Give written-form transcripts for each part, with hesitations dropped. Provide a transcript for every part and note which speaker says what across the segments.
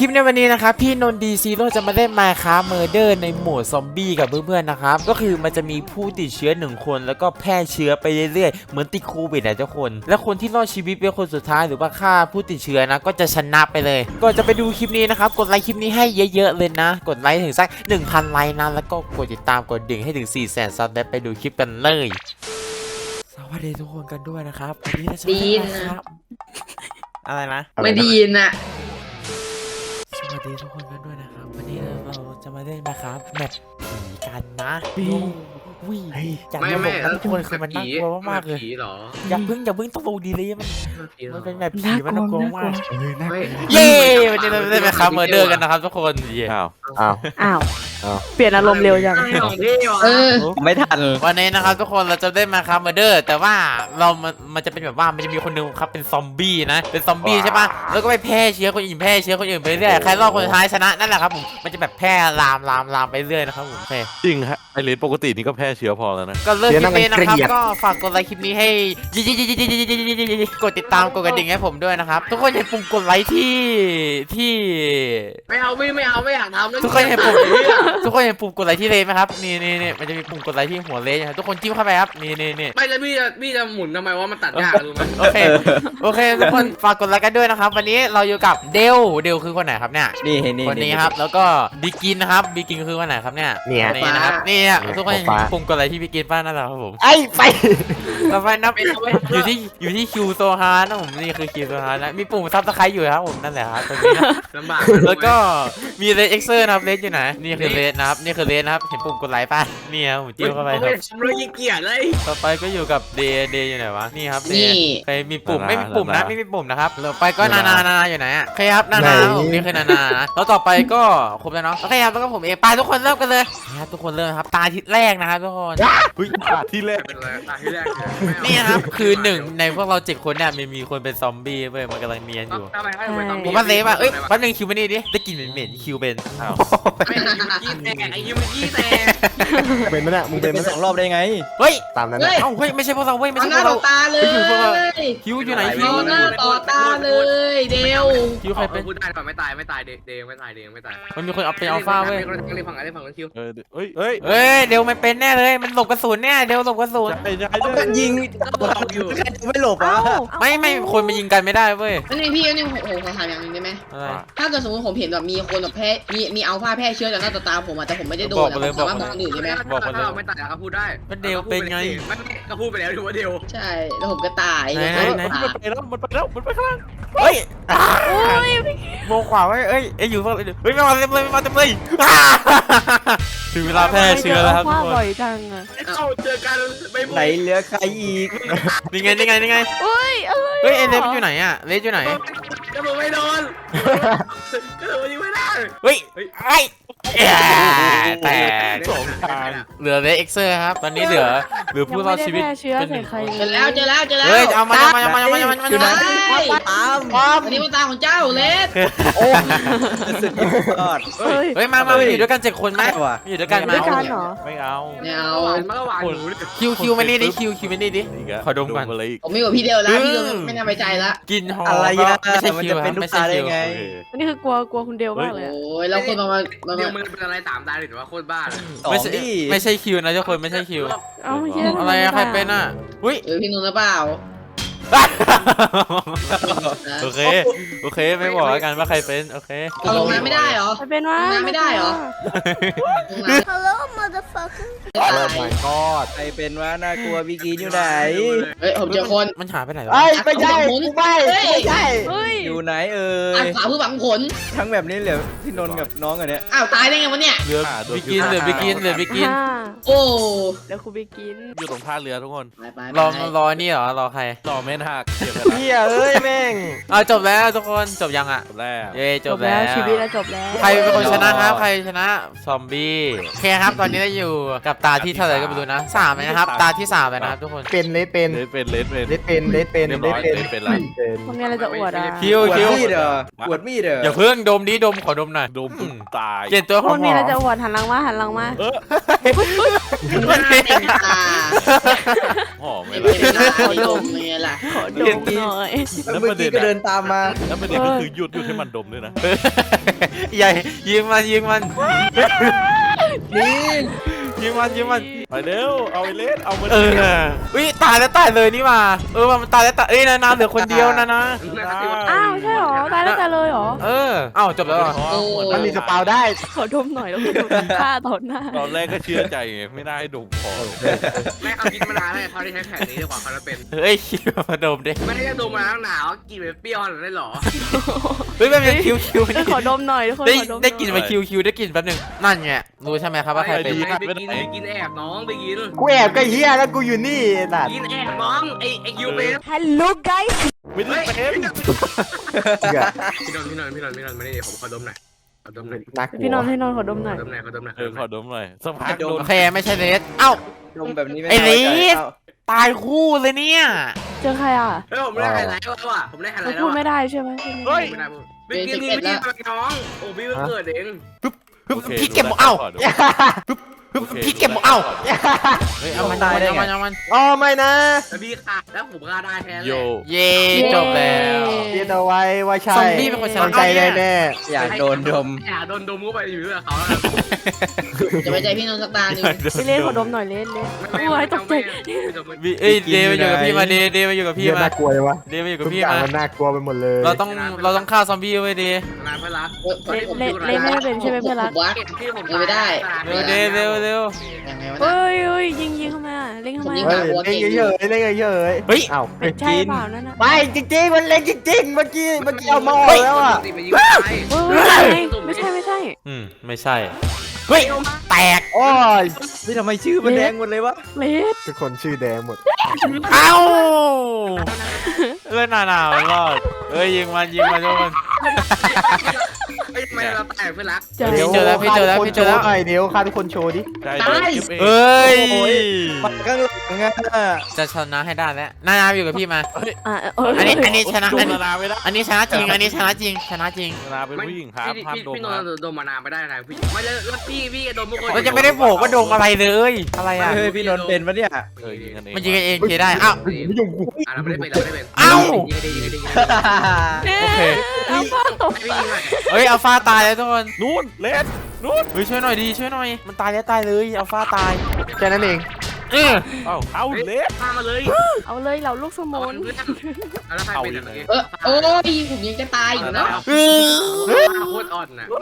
Speaker 1: ลิปในวันนี้นะครับพี่นนท์ดีซีโร่จะมาเล่น Minecraft Murder ในโหมดซอมบี้กับเพื่อนๆนะครับก็คือมันจะมีผู้ติดเชื้อ1คนแล้วก็แพร่เชื้อไปเรื่อยๆเหมือนติดโควิดนะทุกคนและคนที่รอดชีวิตเป็นคนสุดท้ายหรือว่าฆ่าผู้ติดเชื้อนะก็จะชนะไปเลยก่อนจะไปดูคลิปนี้นะครับกดไลค์คลิปนี้ให้เยอะๆเลยนะกดไลค์ถึงสัก 1,000 ไลค์นะแล้วก็กดติดตามกดดิ่งให้ถึง 400,000 ซับและไปดูคลิปกันเลยสวัสดีทุกคนกันด้วยนะครับวันนี้เราจะมาเล่น Minecraft อะไรนะ
Speaker 2: ไม่ได้ยินอ่ะ
Speaker 1: สวัสดีทุกคนกันด้วยนะครับวันนี้เราจะมาเล่นนะครับแมปผีกันนะวิ่งจากระบบนั้นทุกคนคือมันน่ากลัวมากๆเลยอย่าเพิ่งต้องดูดีเลยมันเป็นแมปผีมันน่ากลัวมากเย้วันนี้เราได้มาคัมเมอร์เดอร์กันนะครับทุกคน
Speaker 3: อ้าวเปลี่ยนอารมณ์เร็วจัง
Speaker 2: ไม่ทัน
Speaker 1: วันนี้นะครับทุกคนเราจะได้มาคัมเมอร์เดอร์แต่ว่ามันจะเป็นแบบว่ามันจะมีคนนึงครับเป็นซอมบี้นะเป็นซอมบี้ใช่ปะแล้วก็ไปแพร่เชื้อคนอื่นไปเรื่อยใครรอดคนท้ายชนะนั่นแหละครับผมมันจะแบบแพร่ลามไปเรื่อยนะครับผม
Speaker 4: จริงฮะไอเลนปกตินี่ก็แพร่เชื้อพอแล้วนะ
Speaker 1: ก็เลิกคลิปนี้นะครับก็ฝากกดไลค์คลิปนี้ให้กดติดตามกดกระดิ่งให้ผมด้วยนะครับทุกคนเห็นปุ่มกดไลค์ที่
Speaker 2: ไม่อยากทำ
Speaker 1: ทุกคนเห็นปุ่มกดไลค์ที่เลนไหมครับนี่มันจะมีปุ่มกดไลค์ที่หัวเลนนะครับทุกคนจิ้มเข้าไปครับนี่
Speaker 2: ไม่แล้วพี่จะหมุนทำไมว่ามันตัดยากรู้ไหม
Speaker 1: โอเคทุกคนฝากกดไลค์กันด้วยนะครับวันนี้เราอยู่กับเดลคือคนไหนครับเนี่ย
Speaker 4: นี่
Speaker 1: คนนี้ครับแล้วก็บิกินนะครับบิกินคือคนไหนครับเนี่ยนี่นะครับนี่ทุกคนปุ่มกดไลค์ที่บิกินป้านั่นแหละครับผม
Speaker 3: ไอ้ไป
Speaker 1: ต่อไปนับอยู่ที่คิวโซฮาร์นะผมนี่คือคิวโซฮาร์นะมีปุ่มซับสไครต์อยู่ครับผมนั่นแหละครับตรงนี้นะ
Speaker 2: ลำบาก
Speaker 1: แล้วก็มีเลสเอ็กเซอร์นะครับเลสอยู่ไหนนี่คือเลสนะครับเห็นปุ่มกดไลค์ป่ะนี่ครับผมจิ้มเข้าไปครับ
Speaker 2: เรายิ่งเกลียดเลย
Speaker 1: ต่อไปก็อยู่กับเดย์อยู่ไหนวะนี่ครับเดย์ใครมีปุ่มไม่มีปุ่มนะไม่มีปุ่มนะครับต่อไปก็นาอยู่ไหนอ่ะใครครับนาผมนี่คือนานะแล้วต่อไปก็ครบแล้วเนาะโอเคครับแล้วก็ผมเองไปทุกคนเริ่มกันเลยนะครับทุกคนเริ่มครับตาทิศแรกนะครับทุกคน
Speaker 4: ที่แรก
Speaker 2: เป็นอะไรตาที่แรก
Speaker 1: นี่ครับคือหนึ่งในพวกเรา7คนเนี่ยมีคนเป็นซอมบี้เว้ยมันกำลังเนียนอยู่ผมว่าเซฟอ่ะเอ้ยแป๊บนึงคิวมานี่ดิได้กลิ่นเหม็นคิวเป็น
Speaker 2: ไอ้ยูมิกี้แตก
Speaker 4: เป็นไหมเนี่ยมึงเป็น
Speaker 3: 2 รอบได้ไง
Speaker 1: เฮ้ย
Speaker 4: ตามนั้น
Speaker 1: เอ้าเฮ้ยไม่ใช่พวกเราเว้ยไม่ใช่พวกเรา
Speaker 2: ตาเลย
Speaker 1: คิวอยู่ไหนคิว
Speaker 2: หน้าต่อตาเลยเดว
Speaker 1: คิวใครเป็น
Speaker 2: พูดได้ก่อนไม่ตายเดวไม่ตาย
Speaker 1: มันมีคนเอาไปอัลฟาเว้ย
Speaker 2: ฝั่งคิว
Speaker 1: เฮ้ยเดวมันเป็นแน่เลยมันหลบกระสุนเนี่ยเดวหลบกระสุน
Speaker 3: ยิง
Speaker 2: อยู่
Speaker 3: ไม่หลบอ่ะ
Speaker 1: ไม่คนมายิงกันไม่ได้เว้ย
Speaker 2: นี่พี่นี่โอ้โหขอถามอย่างนึงได้ไหมถ้าเกิดสมมติผมเห็นแบบมีคนแบบแพ้มีอัลฟาแพร่เชื้อจากหน้าตาผมแต่ผมไม่ได้โดนแต่สามารถบอกคนอื่นได้ไหมบอกคนอื่นไม่ตายก็พูดได้
Speaker 1: ก็เดวเป็นไง
Speaker 2: ก็พูดไปแล้วถือว่าเดวใช่แล้วผมก็ตาย
Speaker 4: มันไปแล้วมันไปข้างล่าง
Speaker 1: เฮ้ยโมขวาไว้เอ้ยอยู่ฝั่งเฮ้ยมาเต็มเลยถึงเวลาแพร่เชื้อแล้วครับทุกคน
Speaker 3: บ่อยจังอะ
Speaker 2: เข้าเจอกัน
Speaker 3: ไหนเหลือใครอีก
Speaker 1: นี่ไง
Speaker 3: เฮ้ย
Speaker 1: เฮ้ยเลสอยู่ไหนอะเลสอยู่ไหน
Speaker 2: ก็มึงไม่โดนก็มึงยิงไม่ได้
Speaker 1: เฮ้ยแต่
Speaker 4: 2 ทาง
Speaker 1: เหลือเลสเอ็กเซอร์ครับตอนนี้เหลือผู้รอดชีวิต
Speaker 3: เชื้อใส่ใคร
Speaker 2: เจอแล้ว
Speaker 1: เฮ้ยเอามา
Speaker 2: อยู่ไหนอันนี้มันตาของเจ้าเลส
Speaker 3: สุดยอด
Speaker 1: เฮ้ยมาอยู่ด้วยกัน7 คนไหมอยู่ด้วยกันไหม
Speaker 4: ไม่เอา
Speaker 2: มันก็หวานหนู
Speaker 1: คิวมานี่ดิคิวมานี่ดิขอดมก่อน
Speaker 2: ผมมีกับพี่เดียวแล้วพี่ไม่น่าไว้ใจละ
Speaker 1: กินหอม
Speaker 3: อะไรอะ
Speaker 1: ไม่ใช่คิว
Speaker 3: ไม่ใช่คิวไง
Speaker 1: อั
Speaker 3: นนี้คือกลัวคุณเดียวมากเลย
Speaker 2: โอ้ยแล้วคนมาเดียวมันเป็นอะไร3 ตาหรือว่าโคตรบ้า
Speaker 1: ไม่ใช่คิวนะทุกคนไม่ใช่คิวอะไรอะใครเป็นอะอุ้ย
Speaker 2: พี่นุ่นหรือเปล่า
Speaker 1: โอเคไม่บอกแล้วกันว่าใครเป็นโอเค
Speaker 2: ลงน้ำไม่ได้เหรอ
Speaker 3: เป็นว่า
Speaker 2: ไม่ได้เหรอ
Speaker 5: Hello motherfucker
Speaker 3: โอ้ my god ใครเป็นว่าน่ากลัวบิกินอยู่ไหน
Speaker 2: เฮ้ยผมเจอคน
Speaker 1: มันหายไปไหนแล้ว
Speaker 3: ไม่ใช่อยู่ไหน
Speaker 2: ขวาผู้หวังผล
Speaker 3: ทั้งแบบนี้เหลือพี่นนท์กับน้องอันเนี้ย
Speaker 2: อ้าวตายได้ไงวะเนี่ย
Speaker 1: เหลือบิกิน
Speaker 2: โอ้
Speaker 3: เดี๋ยวคุณบิกิน
Speaker 4: อยู่ตรงท่าเรือทุกคน
Speaker 1: รอนี่เหรอรอใคร
Speaker 4: รอเมนหัก
Speaker 3: เฮียแม่ง
Speaker 1: จบแล้วทุกคนจบยังอะ
Speaker 4: จบแล้ว
Speaker 1: จบแล้ว
Speaker 3: ชีวิตแล้วจบแล้ว
Speaker 1: ใครเป็นคนชนะครับใครชนะซอมบี้โอเคครับตอนนี้เราอยู่กับตาที่เท่าไหร่ก็ไม่รู้นะ3เลยนะครับตาที่3เลยนะครับทุกคน
Speaker 3: เป็น
Speaker 4: เป็น
Speaker 3: คนนี้เราจะอวดอ่ะ
Speaker 1: คิว
Speaker 3: อวดมีด
Speaker 1: อย่าเพิ่งดมดิดมขอดมหน่อย
Speaker 4: ดมตาย
Speaker 1: เปลี่ยนตัว
Speaker 3: คนนี้เราจะอวดหันหลังมา
Speaker 2: มันเต็มตา
Speaker 4: หอมไหม
Speaker 2: ดมเนี่ยล่ะ
Speaker 3: ขอดมหน่อย
Speaker 4: แล้วประเด็น
Speaker 3: ก็เดินตามมา
Speaker 4: แล้วประเด็นก็คือหยุดให้มันดมด้วยนะ
Speaker 1: ใหญ่ยิงมัน
Speaker 3: นี่
Speaker 1: ยิงมันยิงมัน
Speaker 4: ไปเร็วเอาไอ้เลสเอามัน
Speaker 1: อุ้ยตายแล้วตายเลยนี่มามันตายแล้วตายนาเหลือคนเดียวนะ
Speaker 6: อ้าวใช่หรอตายแล้วตายเลยหรอ
Speaker 1: จบแล้วเหรอ
Speaker 3: มันมีสปาวได้
Speaker 6: ขอดมหน่อยแล้วคุณโดนฆ่าต่อหน้า
Speaker 4: ตอนแรกก็เชื่อใจไงไม่ได้ดมคอ
Speaker 7: แม่เขาคิดมานานแล้วเขาได้ใช้แผนนี้ดีกว่าเขาจะเป็น
Speaker 1: เฮ้ยคิวมาดมดิ
Speaker 7: ไม่ได้จะดมมาตั้งหนาวกินเป็นเปรี้ยวหรือได้หรอ
Speaker 1: เฮ้ยมันเป็นคิว
Speaker 6: ขอดมหน่อยทุกคน
Speaker 1: ได้
Speaker 6: ขอดม
Speaker 1: ได้กลิ่นมาคิวได้กลิ่นแป๊บนึงนั่นไงรู้ใช่ไหมครับว่าใครเป็น
Speaker 7: ไปกินแอบน้องไปกิน
Speaker 3: กูแอบก็เฮียแล้วกูอยู่นี่สัตว์
Speaker 7: กินแอบน้องไอ้คิวเป็น
Speaker 5: Hello guys
Speaker 4: ไม่ได้เป็น
Speaker 7: พี่นนท์ไม่ได้ผมขอดมหน่อยขอดมหน่อย
Speaker 3: น่ากลัว
Speaker 6: พี่นอนให้นอนขอดมหน่อย
Speaker 7: ขอดมหน่อยขอดมหน่อย
Speaker 4: ขอดมหน่อยสักพักโดน
Speaker 1: โอเคไม่ใช่เลสเอ้า
Speaker 3: ดมแบบนี้ไม่
Speaker 1: ไอ้
Speaker 3: ได้
Speaker 1: ลิส ตายคู่เลยเนี่ย
Speaker 6: เจอใครอ่ะ
Speaker 7: เฮ้ยผมได้ไฮไลท์แล้วอ่ะผมได้ไฮไล
Speaker 6: เรา
Speaker 7: ท์แล้ว
Speaker 6: พูดไม่ได้ใช่ไหม
Speaker 7: เฮ้ยไม่ได้พูดไปกินนี่ไม่ได้น้องโอ้พี่เกิดเอง
Speaker 1: พี่เก็บหมดพี่เก็บหมดเฮ้ยเอามันเอามัน
Speaker 3: อ๋อไม่นะ
Speaker 7: แต่พี่ขาดแล้วผมฆ่าได้แทน
Speaker 4: โย
Speaker 1: เย่จบแล้ว
Speaker 3: เรียนเอาไว้ว่าใช่
Speaker 1: ซอมบี้เป็นคนชนะ
Speaker 3: ใจได้แน่อยากโดนดม
Speaker 7: อย่าโดนดมเข้าไปอยู่เรื่องเขา
Speaker 2: จะไปใจพี่นนท์สักตาหนึ่ง
Speaker 6: พี่เล่นขอดมหน่อยเล่นโอ้ยตกใจ
Speaker 1: เอ้ยเดมาอยู่กับพี่มาเดมาอยู่กับพี่
Speaker 3: เรียน
Speaker 1: มา
Speaker 3: น่ากลัวเลยวะ
Speaker 1: เดมาอยู่กับ
Speaker 3: ทุก
Speaker 1: พี่
Speaker 3: อย่าง
Speaker 1: มา
Speaker 3: มันน่ากลัวไปหมดเลย
Speaker 1: เราต้องฆ่าซอมบี้ไว้ดี
Speaker 7: นานเพื่อนรัก
Speaker 6: เล่นไม่เป็นใช่ไหมเพื่อนรัก
Speaker 2: วัด
Speaker 7: พี่ผม
Speaker 2: ไม่ได้
Speaker 1: เร็ว
Speaker 2: ยังไงวะ
Speaker 6: เฮ้ยยิงเข้ามาเล่นเข้ามา
Speaker 3: เฮ้ยเล่นเยอะๆเล่นเยอะๆ
Speaker 1: เฮ้ย
Speaker 3: เอ้า
Speaker 6: ใช่เปล่านั่นนะ
Speaker 3: ไม่จริงๆมันเล่นจริงๆเมื่อกี้เอามาออกแล้วอ่ะ
Speaker 7: ไปยิงไป
Speaker 6: ไม่ใช่
Speaker 1: ไม่ใช่เฮ้ยแตก
Speaker 3: โอ้ยนี่ทำไมชื่อมันแดงหมดเลยวะ
Speaker 6: เลส
Speaker 3: ทุกคนชื่อแดงหมด
Speaker 1: เอ้าเล่นหนาวรอดเอ้ยยิงมันทุกคน
Speaker 7: ไม่เราแตกเพื่อนรัก
Speaker 6: เจอ
Speaker 1: พี่เจอแล้วพี่เจอแล้ว
Speaker 3: ฆ่าทุกคนโชว์หน่อยเดี๋ยวฆ่าทุกคนโชว์ดิ
Speaker 4: ใจ
Speaker 1: เอ้ย
Speaker 3: มันข้างหลังอ่ะ
Speaker 1: จะชนะให้ได้แล้วนาอยู่กับพี่มา อันนี้ชนะ
Speaker 4: ดมนานาไม่ได้
Speaker 1: อันนี้ชนะจริงชนะจริง
Speaker 4: นานาเป็นผู้หญิงครับห้ามดม
Speaker 7: พี่นนท์ดมมานานไม่ได้นะพี่ไม่แล้วพี่ดมทุกคน
Speaker 1: เราจะไม่ได้บอกว่าดมอะไรเลยอะไรอ่ะ
Speaker 3: เฮ้ยพี่นนท์เป็นปะเนี่ย
Speaker 4: ยิงกันเอง
Speaker 1: มันยิงกันเองเคได้อ้าว
Speaker 3: ไม่ยุ่งกู
Speaker 7: เราไม่ได้เป็นเราไม่ได้เป็น
Speaker 1: เอ้า
Speaker 6: โอเคเอาผ้าตก
Speaker 7: ไม่ยิงเลย
Speaker 1: เฮ้ยอัลฟาตายแล้วทุกคน
Speaker 4: นู่นเลสนู่น
Speaker 1: เฮ้ยช่วยหน่อยดีช่วยหน่อยมันตายแล้วตายเลยอัลฟาตาย
Speaker 3: แค่นั้นเอง
Speaker 4: เอาเลส
Speaker 7: พามาเลย
Speaker 6: เอาเลยเหล่าลูกสมุน
Speaker 7: แล้วใครเป็นอะไร
Speaker 2: โอ้ยผมยังจะตายอยู่นะ
Speaker 7: โคตรอ่อนนะ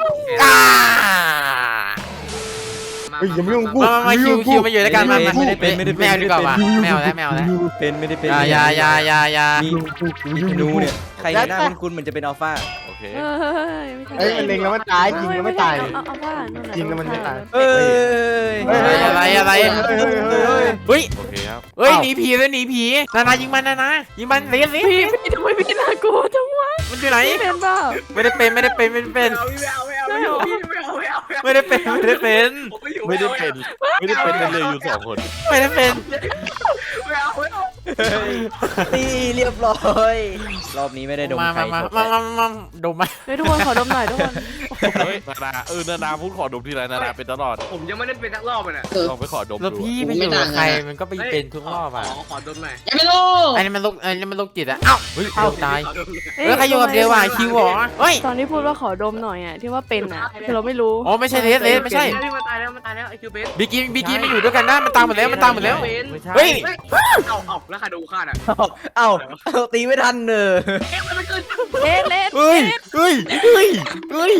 Speaker 3: เฮ้ยอย่ามายุ่งกู
Speaker 1: มาคิวมาอยู่ด้วยกันมาแมวดีกว่าว่ะแมวแล้ว
Speaker 3: เป็นไม่ได้เป็น
Speaker 1: อย่า
Speaker 3: มีธนูเนี่ยใครหน้าคุณเหมือนจะเป็นอัลฟา
Speaker 4: โอเค
Speaker 3: เฮ้ยมันเล็งแล้วมันตายยิงแล้วไม่ตาย
Speaker 6: เอาผ้า
Speaker 3: ยิงแล้วมันไม่ตาย
Speaker 1: เฮ้ยอะไรเฮ้ย
Speaker 4: โอเคครับ
Speaker 1: เฮ้ยหนีผีเลยหนีผีนายิงมันยิงมันเลี้ยง
Speaker 6: พี่ทำไมพี่น่ากลัวจังวะ
Speaker 1: มันอยู่ไหน
Speaker 6: เป็นเปล่า
Speaker 1: ไม่ได้เป็นไม่ได้เป็น
Speaker 7: ไม่เอา
Speaker 1: ไม่ได้เป็น
Speaker 4: ไม่ได้เป็นเลยอยู่2 คน
Speaker 1: ไม่ได้เป็น
Speaker 3: ตีเรียบร้อยรอบนี้ไม่ได้ดม
Speaker 1: มา
Speaker 3: ใคร
Speaker 1: ดมมา
Speaker 6: เฮ้ยทุกคนขอดมหน่อยทุกคน
Speaker 4: เฮ้ยนานาพูดขอดมทีไรนานาเป็นตลอด
Speaker 7: ผมยังไม่ได้เป็นนักรอบเลยนะ
Speaker 4: ลองไปขอดม
Speaker 1: แล้ว
Speaker 4: ดู
Speaker 1: พี่ไปอยู่กับใครมันก็ไปเป็นทุกรอบอ่ะ
Speaker 7: ขอดมหน่อย
Speaker 2: ยังไม่รู้
Speaker 1: อันนี้มันโรคจิตอ่ะเอ้าเฮ้ยตายเฮ้ยใครอยู่กับเดียวว่ะคิวหรอเฮ้ย
Speaker 6: ตอนที่พูดว่าขอดมหน่อยอ่ะที่ว่าเป็นอ่ะคือเราไม่รู้
Speaker 1: อ๋อไม่ใช่เลสไม่ใช่
Speaker 7: มันตายแล้วไอคิวเบส
Speaker 1: บิกิไม่อยู่ด้วยกันนะมันตามหมดแล้ว
Speaker 4: ไม่ใช่
Speaker 1: เฮ้ย
Speaker 7: เอาแล้วใครดูข้าอ่ะ
Speaker 3: เอ้าตีไม่ทันเนอะ
Speaker 7: มันเกิน
Speaker 6: เลสเลส
Speaker 1: เฮ้ย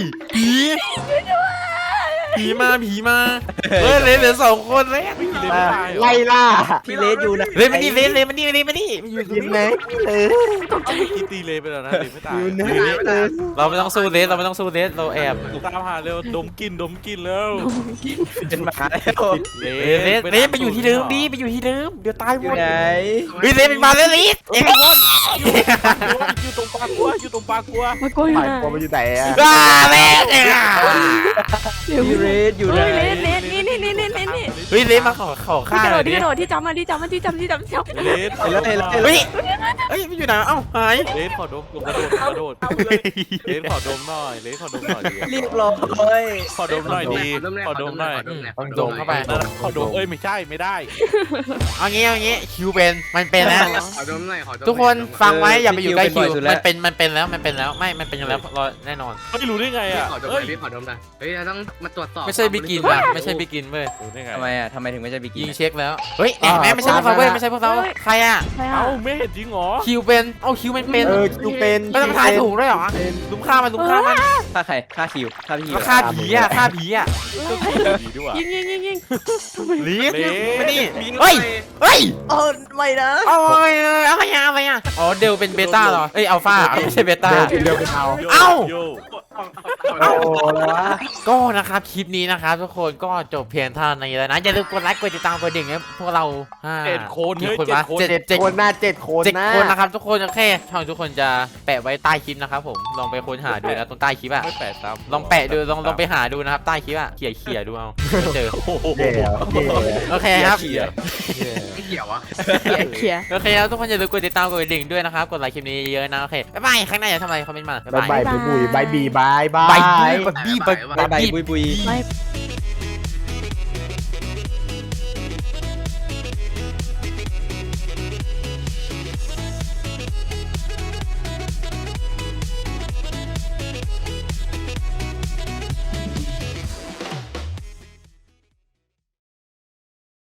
Speaker 1: ผีมาเฮ้ยเลสเหลือ2 คนแล้ว
Speaker 3: ไล่ล่าพี่เลสอยู่นะ
Speaker 1: เลสมานี่อยู่
Speaker 3: ยินไหม
Speaker 4: กินตีเลไปแล้วนะเลไม่ตาย
Speaker 3: อยู่นะ
Speaker 1: เราไม่ต้องสู้เลสเราแอบ
Speaker 4: ตามหาเร็วดมกินแล้ว
Speaker 3: เป็นหมาแล้ว
Speaker 1: เลสไปอยู่ที่เดิมดิไปอยู่ที่เดิมเดี๋ยวตายหมด
Speaker 3: ไหน
Speaker 1: เฮ้ยเลสเป็นมาแล้วเลสเอ็งหมด
Speaker 4: อยู่ตรงปากกัว
Speaker 6: มากลัวอยู่
Speaker 3: ฝ่าย
Speaker 6: นะ
Speaker 3: กลัวมันอยู่ไหนอ่ะ
Speaker 1: เลสเนี่ย
Speaker 3: พี่เลสอยู่ไหน
Speaker 6: เฮ้ยเลสนี่
Speaker 1: เฮ้ยเลสมาขอฆ่า
Speaker 6: ที่กระ
Speaker 1: เล
Speaker 6: โด
Speaker 1: ย
Speaker 6: ดที่กระโดดที่จำที่จำ
Speaker 4: เลส
Speaker 3: เห็นแล้ว
Speaker 1: เฮ้ยเอ้ยไม่อยู่ไหนเอ้าหาย
Speaker 4: เลนขอดมกระโดดเลนขอดมหน่อยเลนขอดมหน่อยดี
Speaker 3: เรียบร้อย
Speaker 4: ขอดมหน่อยดีขอดมหน่อย
Speaker 1: ต้องดมเข้าไป
Speaker 4: ขอดมไม่ใช่ไม่ได้
Speaker 1: เอางี้คิวเป็นมันเป็นแล้ว
Speaker 7: ขอดมหน่อยขอดม
Speaker 1: ทุกคนฟังไว้อย่าไปอยู่ใกล้คิวมันเป็นแล้วไม่มันเป็นแล้วรอแน่นอน
Speaker 4: ไม่รู้ได้ไงอ่ะ
Speaker 7: ขอดมหน่อยพี่ขอดมหน่อยเฮ้ยเราต้องมาตรวจสอบ
Speaker 1: ไม่ใช่บิกินอะไม่ใช่บิกินเว้ย
Speaker 4: รู้ได้ไง
Speaker 3: ทำไมถึงไม่ใช่บิกิ
Speaker 1: ยิ
Speaker 3: น
Speaker 1: งเช็คแล้วเฮ้ยแหมไม่ใช่พวกเราเว้ยไม่ใช่พวกเราใครอะ
Speaker 6: ใคร
Speaker 4: เอ้า
Speaker 6: อ่ะ
Speaker 4: ไม่เห็นจริงเหรอ
Speaker 1: คิวเป็นเอ้าคิวมันเป็น
Speaker 8: คิวเป็น
Speaker 1: ไม่ต้องทายถูกด้วยเหรอลุมฆ่ามัน
Speaker 3: ฆ่าใครฆ่าคิวฆ่าพี่คิว
Speaker 1: ฆ่าผีอะฆ่าผีอะ
Speaker 4: ดีด้วย
Speaker 6: ยิง
Speaker 1: ลีฟ
Speaker 4: เล
Speaker 1: มานี่
Speaker 7: มี
Speaker 1: เฮ้ย
Speaker 3: อ๋อไม่นะ
Speaker 1: โอ้ยอะไรอะอ๋อเดลเป็นเบต้าเหรอเอ้ยอัลฟาไม่ใช่เบต้า
Speaker 8: เดียวเป็นเอา
Speaker 1: เอ้า
Speaker 4: โย
Speaker 8: เอาอะไรวะ
Speaker 1: ก็นะครับคลิปนี้นะครับทุกคนก็จบเพียงเท่านี้แล้วนะอย่าลืมกดไลค์กดติดตามกดดิ่งให้พวกเรา
Speaker 4: 7 คน
Speaker 1: กี่
Speaker 4: เฮ้ย
Speaker 1: คน
Speaker 4: 7
Speaker 1: วะ
Speaker 4: คน
Speaker 1: เจ็ด
Speaker 8: คนหน้า7 คน
Speaker 1: เจ็ด
Speaker 8: นะ
Speaker 1: คนนะครับทุกคนโอเคช่องทุกคนจะแปะไว้ใต้คลิปนะครับผมลองไปค้นหาดูนะตรงใต้คลิปอะ
Speaker 4: ไม่แปะตาม
Speaker 1: ลองแปะดูลองไปหาดูนะครับใต้คลิปอะเขี่ยดูเอาเจอ
Speaker 8: เย่เย่
Speaker 1: โอเคครับ
Speaker 7: ไม่เกี่ยววะ
Speaker 6: เขีย
Speaker 1: โอเคครับทุกคนอย่าลืมกดติดตามกดกระดิ่งด้วยนะครับกดไลค์คลิปนี้เยอะๆนะโอเคบ๊ายบายข้างหน้าอย่าทำอะไรคอมเมนต์มาบ๊าย
Speaker 8: บาย
Speaker 1: บาย
Speaker 8: บายบุยบายบีบาย
Speaker 1: บายบี้บาย
Speaker 3: บายบายบุยบุย
Speaker 6: ไม่